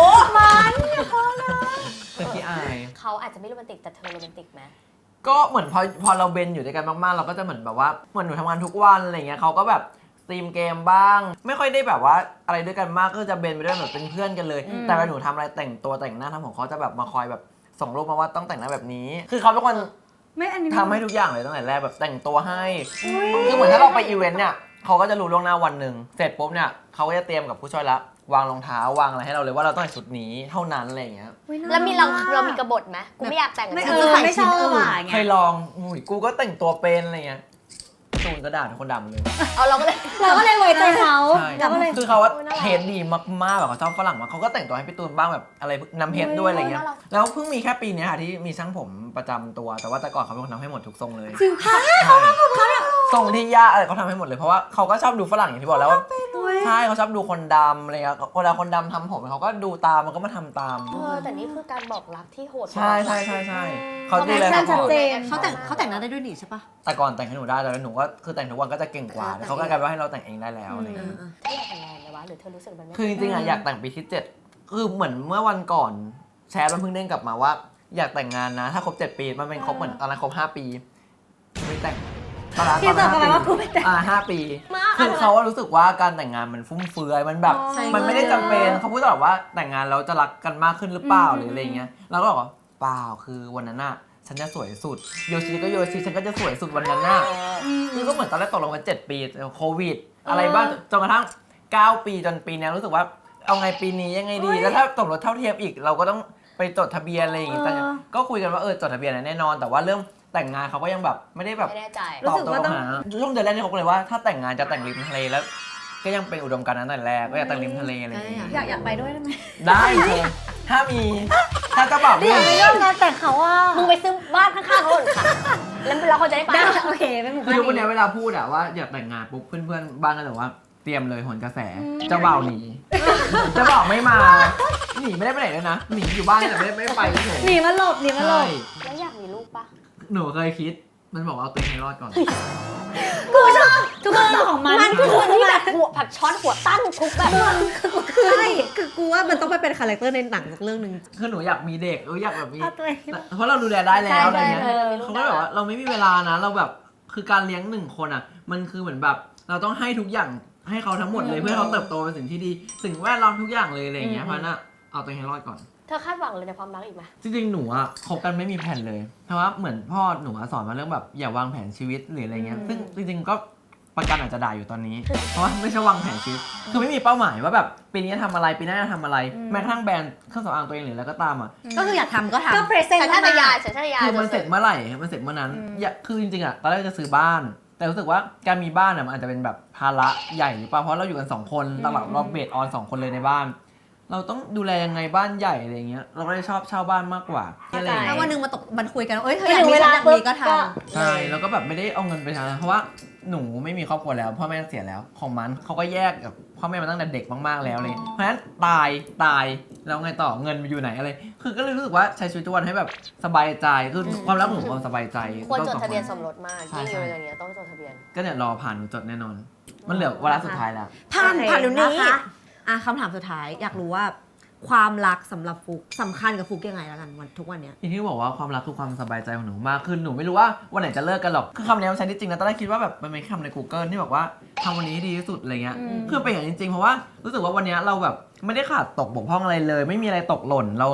[SPEAKER 3] แต่ที่อาย
[SPEAKER 5] เขาอาจจะไม่โรแมนติกแต่เธอโรแมนติกไหม
[SPEAKER 3] ก็เหมือนพอเราเบนอยู่ด้วยกันมากๆ เราก็จะเหมือนแบบว่าเหมือนหนูทำงานทุกวันอะไรเงี้ยเขาก็แบบสตรีมเกมบ้าง ไม่ค่อยได้แบบว่าอะไรด้วยกันมากก็จะเบนไปด้วยแบบเป็นเพื่อนกันเลย แต่เวลาหนูทำอะไรแต่งตัวแต่งหน้าทำของเขาจะแบบมาคอยแบบส่งรูปมาว่าต้องแต่งหน้าแบบนี้ คือเขาเป็นคน
[SPEAKER 8] ไม่อันนี้
[SPEAKER 3] ทำให้ทุกอย่างเลยตั้งแต่แรกแบบแต่งตัวให้คือเหมือนถ้าเราไปอีเวนต์เนี่ยเขาก็จะรู้ล่วงหน้าวันหนึ่งเสร็จปุ๊บเนี่ยเขาก็จะเตรียมกับผู้ช่วยละวางรองเท้าวางอะไรให้เราเลยว่าเราต้องใส่ชุดนี้เท่านั้นอะไรอย่างเงี้ย
[SPEAKER 5] แล้วมีเรามีกบฏไหมกูไม่อยากแต่ง
[SPEAKER 8] ไม่
[SPEAKER 5] กับ
[SPEAKER 8] ไม่ชอบอ่ะ
[SPEAKER 3] เคยลองอุ้ยกูก็แต่งตัวเป็นอะไรเงี้ยตูนก็ด่าทุกคนด่าหมดเลย
[SPEAKER 5] เอาเราก็เลย
[SPEAKER 8] เราก็เลยไว้ใจเขา
[SPEAKER 3] ใช่
[SPEAKER 8] เราก็เลย
[SPEAKER 3] คือเขาว่า
[SPEAKER 5] โอ้ยน่ารัก
[SPEAKER 3] เทสดีมากๆแบบเขาชอบฝรั่งมากเขาก็แต่งตัวให้พี่ตูนบ้างแบบอะไรน้ำเพชรด้วยอะไรเงี้ย
[SPEAKER 5] น่ารัก
[SPEAKER 3] แล้วเพิ่งมีแค่ปีเนี้ยค่ะที่มีช่างผมประจำตัวแต่ว่าแต่ก่อนเขาเป็นคนทำให้หมดทุกทรงเลย
[SPEAKER 8] จริงค่ะ
[SPEAKER 3] ใช่ทรงที่ยากอะไรเขาทำให้หมดเลยเพราะว่าเขาก็ชอบดูฝรั่งอย่างที่บอกแล้วว่าใช่เขาชอบดูคนดำอะไรเงี้ยเวลาคนดำทำผมเขาก็ดูตามมันก็มาทำตาม
[SPEAKER 5] แต่นี่คือการบอกรักที่โหด
[SPEAKER 3] ใช่เขาดูแล
[SPEAKER 8] แอคชั่นชั
[SPEAKER 3] เขา
[SPEAKER 8] ดเจน
[SPEAKER 1] เขาแต่งหน้าได้ด้วยนี่ใช่ปะ
[SPEAKER 3] แต่ก่อนแต่งให้หนูได้แต่หนูก็คือแต่งทุกวันก็จะเก่งกว่าแต่เขาก็กลายเป็นว่าให้เราแต่งเองได้แล้วอะไรเงี้ย
[SPEAKER 5] เธออยากแต่งงานไหมวะหรือเธอรู้สึกมันไม่
[SPEAKER 3] คือจริงๆอ่ะอยากแต่งปีที่ 7 คือเหมือนเมื่อวันก่อนแชร์มันเพิ่งเด้งกลับมาว่า อยากแต่งงานนะ ถ้าครบ 7 ปีมันเป็นครบเหมือนตอนนั้นครบ 5 ปีไม่แต่งตอนนั้น
[SPEAKER 8] พี่ตอบกลับมาว่ากูไม่แต่ง
[SPEAKER 3] 5 ปีคือเขาว่ารู้สึกว่าการแต่งงานมันฟุ่มเฟือยมันแบบมันไม่ได้จำเป็นเขาพูดตลอดว่าแต่งงานแล้วจะรักกันมากขึ้นหรือเปล่าหรืออะไรเงี้ยเราก็บอกว่าเปล่าคือวันนั้นน่ะฉันจะสวยสุดโยชิก็โยชิฉันก็จะสวยสุดวันนั้นน่ะ คือก็เหมือนตอนแรกตกลงกัน7 ปีโควิด อะไรบ้างจนกระทั่ง9 ปีจนปีนี้รู้สึกว่าเอาไงปีนี้ยังไงดี แล้วถ้าสมรสเท่าเทียมอีกเราก็ต้องไปจดทะเบียนอะไรอย่างงี้แต่ก็คุยกันว่าจดทะเบียนแน่นอน แต่ว่าเรื่องแต่งงานเขาก็ยังแบบไม่ได้แบบ
[SPEAKER 5] ไม่แน่ใจ
[SPEAKER 3] ตอบตัวหาช่วงเดือนแรกนี่เขาก็เลยว่าถ้าแต่งงานจะแต่งริมทะเลแล้ว ก็ยังเป็นอุดมการณ์นั้นแต่แรกก็อยากแต่งริมทะเลอะไรอย่างงี้
[SPEAKER 8] อยากไปด้วยได้ไหม
[SPEAKER 3] ได้เลยถ้ามีถ้าเจ้าบ่าวไม่
[SPEAKER 8] อยากไป
[SPEAKER 3] มี
[SPEAKER 8] ร่วมงานแต่งเขาอ่ะ
[SPEAKER 5] มึงไปซื้อบ้านข้างๆเขาก่อนค่ะแล้วเราเขาจะได้ไป
[SPEAKER 8] ได้โอเคเป็นหมู่
[SPEAKER 3] คือ
[SPEAKER 8] บ้าน
[SPEAKER 3] ทุกวันนี้เวลาพูดอะว่าอยากแต่งงานปุ๊บเพื่อนๆบ้านก็จะบอกว่าเตรียมเลยโหนกระแสเจ้าบ่าวหนีเจ้าบ่าวไม่มาหนีไม่ได้ไปไหนเลยนะหนีอยู่บ้านแต่ไม่ไปเฉย
[SPEAKER 8] หนีมาหลบหนีมาหล
[SPEAKER 3] ใช่
[SPEAKER 8] บ
[SPEAKER 5] แล้วอยากมีลูกปะ
[SPEAKER 3] หนูเคยคิดมันบอกว่าเอาตัวเองให้รอดก่อน
[SPEAKER 8] กูชอบทุกเรื่องของมัน
[SPEAKER 5] มันคือคนที่แบบหัวผักช้อนหัวตั้งทุกแบบ
[SPEAKER 1] ใช่คือกูว่ามันต้องไปเป็นคาแรคเตอร์ในหนังสักเรื่องหนึ่ง
[SPEAKER 3] คือหนูอยากมีเด็กอยากแบบมี
[SPEAKER 8] เอาตัวเอง
[SPEAKER 3] เพราะเราดูแลได้แล้วอะไรเงี้ย
[SPEAKER 5] ใช่
[SPEAKER 3] เขาก็แบบว่าเราไม่มีเวลานะเราแบบคือการเลี้ยง1 คนอะมันคือเหมือนแบบเราต้องให้ทุกอย่างให้เขาทั้งหมดเลยเพื่อให้เขาเติบโตเป็นสิ่งที่ดีสิ่งแวดล้อมทุกอย่างเลยอะไรอย่างเงี้ยเพราะฉะนั้นเอาตัวเองให้รอดก่อน
[SPEAKER 5] เธอคาดหวังเลยในความรักอีกไหม
[SPEAKER 3] จริงๆ หนูอะคบกันไม่มีแผนเลย เพราะว่าเหมือนพ่อหนูอะสอนมาเรื่องแบบอย่าวางแผนชีวิตหรืออะไรเงี้ย ซึ่งจริงๆ ก็ประกันอาจจะด่าอยู่ตอนนี้ เพราะว่าไม่ใช่วางแผนชีวิต คือไม่มีเป้าหมายว่าแบบปีนี้จะทำอะไรปีหน้าจะทำอะไร แม้กระทั่งแบรนด์เครื่องสำอางตัวเองหรืออะไรก็ตามอะ
[SPEAKER 1] ก็คืออยากทำก็ทำ
[SPEAKER 8] ก็เพรสเซน
[SPEAKER 5] สัญ
[SPEAKER 8] ต์
[SPEAKER 5] ชาตญาณ
[SPEAKER 8] มาก
[SPEAKER 5] สัญชาตญาณ
[SPEAKER 3] คือมันเสร็จเมื่อไหร่ มันเสร็จเมื่อนั้นคือจริงๆอะตอนแรกจะซื้อบ้าน แต่รู้สึกว่าการมีบ้านอะมันอาจจะเป็นแบบภาระใหญ่หรือเปล่า เพราะเราอยู่กัน2 คนตลอดเราเบสออน2 คนเลยในบ้าน เราต้องดูแลยังไงบ้านใหญ่อะไรเงี้ย เราก็เลยชอบเช่าบ้านมากกว่าอะไรอย่าง
[SPEAKER 1] ถ้า
[SPEAKER 3] เงี้ย
[SPEAKER 1] วันหนึ่งมันคุยกันว่าเอ้ยเธออยากมีฉันอยากมีก็ทำ
[SPEAKER 3] ใช่ แล้วก็แบบไม่ได้เอาเงินไปทำเพราะว่าหนูไม่มีครอบครัวแล้วพ่อแม่เสียแล้วของมันเขาก็แยกกับพ่อแม่มาตั้งแต่เด็กมากๆแล้วเลยเพราะฉะนั้นตายแล้วไงต่อเงินมันอยู่ไหนอะไรคือก็เลยรู้สึกว่าใช้ชีวิตทุกวันให้แบบสบายใจคือความรักของหนูความสบายใจ
[SPEAKER 5] ควรจด
[SPEAKER 3] ต้อง
[SPEAKER 5] ทะเบียนสมรสมาก
[SPEAKER 3] ใช่
[SPEAKER 5] ยิ่ง
[SPEAKER 3] ใช่
[SPEAKER 5] อยู่อย่างเงี้ยต้องจดทะเบียน
[SPEAKER 3] ก็เนี่ยรอผ่านหนูจดแน่นอน มันเหลือวาระสุดท้ายแล้ว
[SPEAKER 1] ผ่าน
[SPEAKER 8] โอเค
[SPEAKER 1] ผ่านเดี๋ยวนี้
[SPEAKER 8] นะคะ
[SPEAKER 1] คำถามสุดท้ายอยากรู้ว่าความรักสำหรับฟุกสำคัญกับฟุกยังไงแล้วกันวันทุกวันเนี้ย
[SPEAKER 3] อย่างที่บอกว่าความรักคือความสบายใจของหนูมากคือหนูไม่รู้ว่าวันไหนจะเลิกกันหรอกคือคำนี้มันใช้ได้จริงนะตอนแรกคิดว่าแบบมันเป็นคำใน Google ที่บอกว่าทำวันนี้ให้ดีที่สุดอะไรเงี้ยคือเป็นอย่างจริงๆเพราะว่ารู้สึกว่าวันนี้เราแบบไม่ได้ขาดตกบกพร่องอะไรเลย ไม่มีอะไรตกหล่นเรา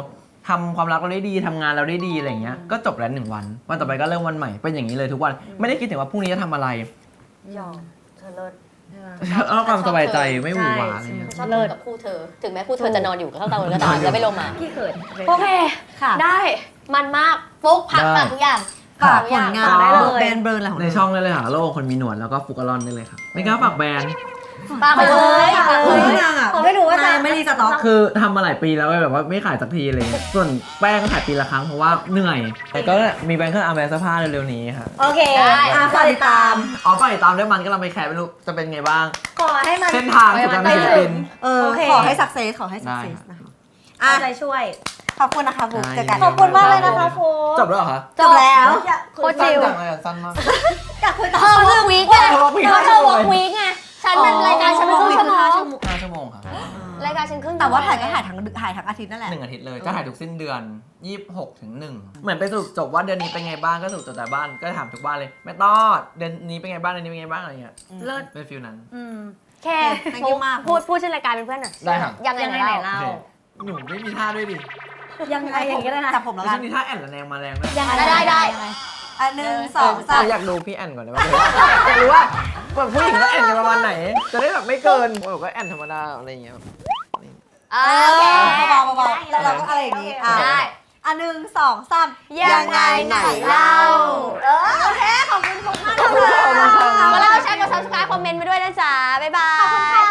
[SPEAKER 3] ทำความรักเราได้ดีทำงานเราได้ดีอะไรเงี้ยก็จบแล้ว1 วันวันต่อไปก็เริ่มวันใหม่เป็นอย่างนี้เลยทุกวันไม่ได้คิดถึงว่าพรุ่งนี้จะทำอะไร
[SPEAKER 5] ยอมเธอเลิศ
[SPEAKER 3] เอาความสบายใจไม่หวือหวาอะไรเงี้ย
[SPEAKER 5] ชอบเลิศกับคู่เธอ ถึงแม้คู่เธอจะนอนอยู่ข้างเตาก็ตามจะไม่ลงมา
[SPEAKER 8] พี่เขิน
[SPEAKER 5] โอเค
[SPEAKER 8] ค่ะ
[SPEAKER 5] ได้ มันมากฟุกพักกับทุกอย่าง
[SPEAKER 1] ฝากผลงาน
[SPEAKER 8] ได้เลย
[SPEAKER 1] แบรนด์เบิร์นอะไรของ
[SPEAKER 3] ใน
[SPEAKER 1] เรา
[SPEAKER 3] ช่องได้เลยค่ะโลกคนมีหนวดแล้วก็ฟุกอลอนได้เลยครับไม่กล้าฝากแบรนด์
[SPEAKER 5] ปากไปเลย
[SPEAKER 1] เฮ้ยนางอ่ะ
[SPEAKER 8] ผมไม่รู้ว่าจะ
[SPEAKER 1] นงไม่รีสต็อก
[SPEAKER 3] คือทำมาหลายปีแล้วแบบว่าไม่ขายสักทีอะไรเลยส่วนแป้งก็ขายปีละครั้งเพราะว่าเหนื่อยแต่ก็มีแบรนด์เครื่องอาร์แบรนด์เสื้อผ้าเร็วๆนี้ครับ
[SPEAKER 8] โอเค ฝากติดตาม
[SPEAKER 3] อ๋อไปติดตามด้วยมันก็เราไปแคร์ไม่รู้จะเป็นไงบ้าง
[SPEAKER 8] ขอให้มัน
[SPEAKER 3] เส้นทางสู่การเป็นศิลปิน
[SPEAKER 1] โอเค ขอให้สักเซสขอให้สัก
[SPEAKER 3] ได้
[SPEAKER 1] เซสนะคะ
[SPEAKER 8] เอาใจช่วย
[SPEAKER 1] ขอบคุณนะคะบุ๊กเจอกัน
[SPEAKER 8] ขอบคุณมากเลยนะคะโฟ
[SPEAKER 3] จบแล้วเหรอคะ
[SPEAKER 1] จบแล้ว
[SPEAKER 5] โคตรจิว
[SPEAKER 3] สั้นจังเลยอะสั้นมาก
[SPEAKER 8] อยากคุยต่อ
[SPEAKER 5] เธอวอล์กวีคไง
[SPEAKER 3] เธอ walk week
[SPEAKER 5] เธอวอล์กวีคไงฉันมันรายการฉันเป็นครึ่งชั่วโมง
[SPEAKER 3] 5 ชั่วโมงค่ะ
[SPEAKER 5] รายการฉันครึ่ง
[SPEAKER 1] แต่ว่าถ่ายก็
[SPEAKER 5] ชั่วโมง
[SPEAKER 1] ถ่ายทั้งอาทิตย์นั่นแหละ
[SPEAKER 3] 1 อาทิตย์เลยจะถ่ายทุกสิ้นเดือน 26 ถึง 1 เหมือนไปสรุปจบว่าเดือนนี้เป็นไงบ้างก็สรุปจบแต่บ้านก็ถามทุกบ้านเลยแม่ตอดเดือนนี้เป็นไงบ้างเดือนนี้เป็นไงบ้างอะไรเงี้ย
[SPEAKER 8] เลิศ
[SPEAKER 3] เป็นฟิลนั้น
[SPEAKER 5] แค่
[SPEAKER 1] thank you มาก
[SPEAKER 5] พูดชื่อรายการเป็นเพื่อนหน่อย
[SPEAKER 3] ได้ครับ
[SPEAKER 5] ยังไง
[SPEAKER 8] ยังไง
[SPEAKER 5] ไหน
[SPEAKER 8] ไหน
[SPEAKER 5] เล่า
[SPEAKER 8] เล่า
[SPEAKER 3] โอเคหนูไม่มีท่าด้วยดิ
[SPEAKER 8] ยังไงอย่างนี้เลยนะ
[SPEAKER 1] จับผมแล้ว
[SPEAKER 3] แล้ว
[SPEAKER 1] กั
[SPEAKER 3] ช่
[SPEAKER 1] น
[SPEAKER 3] วงนี้ท่าแอนละแนงมาแรงด้วย
[SPEAKER 8] ยังไง
[SPEAKER 5] ได้
[SPEAKER 1] อันหนึ่งสองสาม
[SPEAKER 3] อยากดูพี่แอนก่อนได้ไหมอยากรู้ว่าแบบผู้หญิงก็แอนกันประมาณไหน จะได้แบบไม่เกินผมก็แอนธรรมดาอะไรอย่างเงี้ย
[SPEAKER 5] โอเค
[SPEAKER 1] เบาๆเบาๆแล้วเราก็อะไรอย่างนี้อ่ะ
[SPEAKER 5] ได้
[SPEAKER 1] อันหนึ่งสองสาม
[SPEAKER 5] ยังไงไหนเล่าโอเค ขอบคุณมากเลย
[SPEAKER 3] ขอบคุณค่ะ
[SPEAKER 5] มาแล้วแชร์กด subscribe คอมเมนต์ไปด้วยนะจ๊ะ บ๊ายบาย